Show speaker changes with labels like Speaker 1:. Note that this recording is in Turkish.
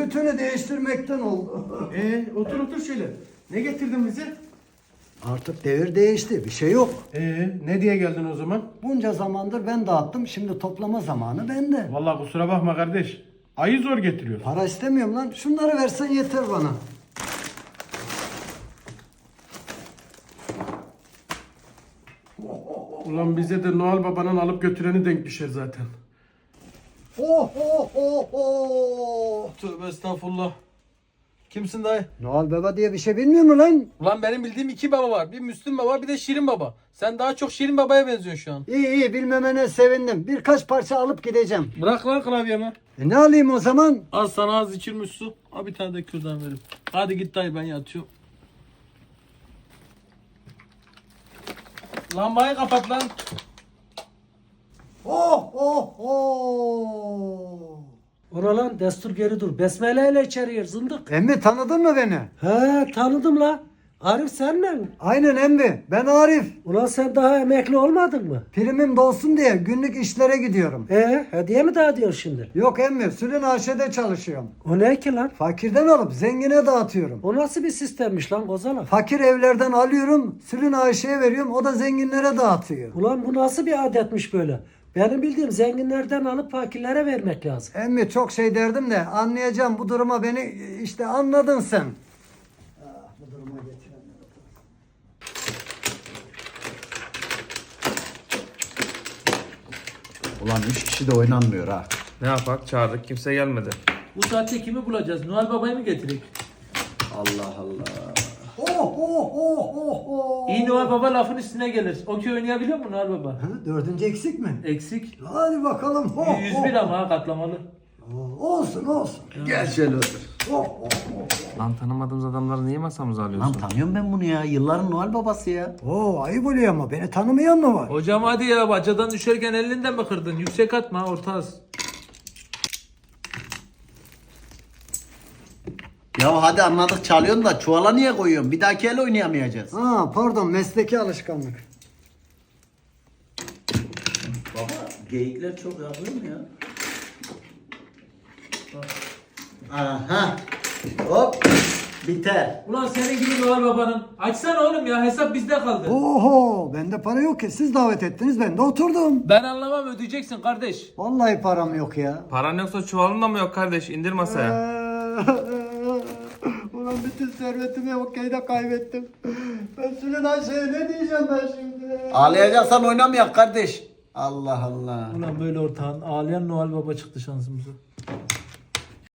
Speaker 1: tütünü değiştirmekten oldu.
Speaker 2: Otur otur şöyle. Ne getirdin bize?
Speaker 1: Artık devir değişti. Bir şey yok.
Speaker 2: Ne diye geldin o zaman?
Speaker 1: Bunca zamandır ben dağıttım. Şimdi toplama zamanı bende.
Speaker 2: Vallahi kusura bakma kardeş. Ayı zor getiriyor.
Speaker 1: Para istemiyorum lan. Şunları versen yeter bana.
Speaker 2: Ulan bize de Noel Baba'nın alıp götüreni denk düşer zaten.
Speaker 1: Oh oh oh oh.
Speaker 3: Tövbe estağfurullah. Kimsin dayı?
Speaker 1: Noel Baba diye bir şey bilmiyor mu lan?
Speaker 3: Ulan benim bildiğim iki baba var. Bir Müslüm Baba bir de Şirin Baba. Sen daha çok Şirin Baba'ya benziyorsun şu an.
Speaker 1: İyi iyi bilmemene sevindim. Birkaç parça alıp gideceğim.
Speaker 3: Bırak lan klavyemi.
Speaker 1: Ne alayım o zaman?
Speaker 3: Az sana az içilmiş su. Al bir tane de kürdan vereyim. Hadi git dayı ben yatıyorum. Lambayı kapat lan.
Speaker 1: Oh oh oh.
Speaker 4: Oralan destur geri dur. Besmele ile içeri gir zındık.
Speaker 1: Emmi tanıdın mı beni?
Speaker 4: He tanıdım la. Arif sen mi?
Speaker 1: Aynen emmi. Ben Arif.
Speaker 4: Ulan sen daha emekli olmadın mı?
Speaker 1: Primim dolsun diye günlük işlere gidiyorum.
Speaker 4: Hediye mi dağıtıyorsun şimdi?
Speaker 1: Yok emmi. Sülün AŞ'de çalışıyorum.
Speaker 4: O ne ki lan?
Speaker 1: Fakirden alıp zengine dağıtıyorum.
Speaker 4: O nasıl bir sistemmiş lan Kozala?
Speaker 1: Fakir evlerden alıyorum. Sülün AŞ'ye veriyorum. O da zenginlere dağıtıyor.
Speaker 4: Ulan bu nasıl bir adetmiş böyle? Benim bildiğim zenginlerden alıp fakirlere vermek lazım.
Speaker 1: Emmi çok şey derdim de anlayacağım bu duruma beni işte anladın sen. Bu duruma getirenler.
Speaker 5: Ulan 3 kişi de oynanmıyor ha.
Speaker 6: Ne yapak? Çağırdık kimse gelmedi.
Speaker 3: Bu saatte kimi bulacağız? Noel Baba'yı mı getirek?
Speaker 5: Allah Allah.
Speaker 1: Oh oh oh oh oh.
Speaker 3: İyi Noel Baba lafın üstüne gelir. Okey oynayabiliyor mu Noel Baba?
Speaker 1: Ha, dördüncü eksik mi?
Speaker 3: Eksik.
Speaker 1: Hadi bakalım. Oh,
Speaker 3: 101 ama ha katlamalı.
Speaker 1: oh. Olsun olsun.
Speaker 5: Gel şöyle otur.
Speaker 1: Oh, oh, oh.
Speaker 6: Lan tanımadığımız adamları niye masamıza
Speaker 5: Lan
Speaker 6: alıyorsun?
Speaker 5: tanıyorum ben bunu ya. Yılların Noel babası ya.
Speaker 1: Oo, ayıp oluyor ama beni tanımayan mı var?
Speaker 3: Hocam hadi ya bacadan düşerken elinden mi kırdın? Yüksek atma orta az.
Speaker 5: Ya hadi anladık çalıyorsun da çuvala niye koyuyorsun? Bir dahaki el oynayamayacağız.
Speaker 1: Ha pardon mesleki alışkanlık.
Speaker 5: Baba geyikler çok yapıyor mu ya? Aha. Hop. Biter.
Speaker 3: Ulan senin gibi Noel Baba'nın. Açsana oğlum ya hesap bizde kaldı.
Speaker 1: Oho bende para yok ki siz davet ettiniz ben de oturdum.
Speaker 3: Ben anlamam ödeyeceksin kardeş.
Speaker 1: Vallahi param yok ya.
Speaker 6: Paran yoksa çuvalın da mı yok kardeş? İndir masaya.
Speaker 1: Ulan bütün servetimi okeyde kaybettim. Ben Sülün Ayşe'ye ne diyeceğim ben şimdi?
Speaker 5: Ağlayacaksan oynamayak kardeş. Allah Allah.
Speaker 3: Ulan böyle ortağın ağlayan Noel Baba çıktı şansımıza.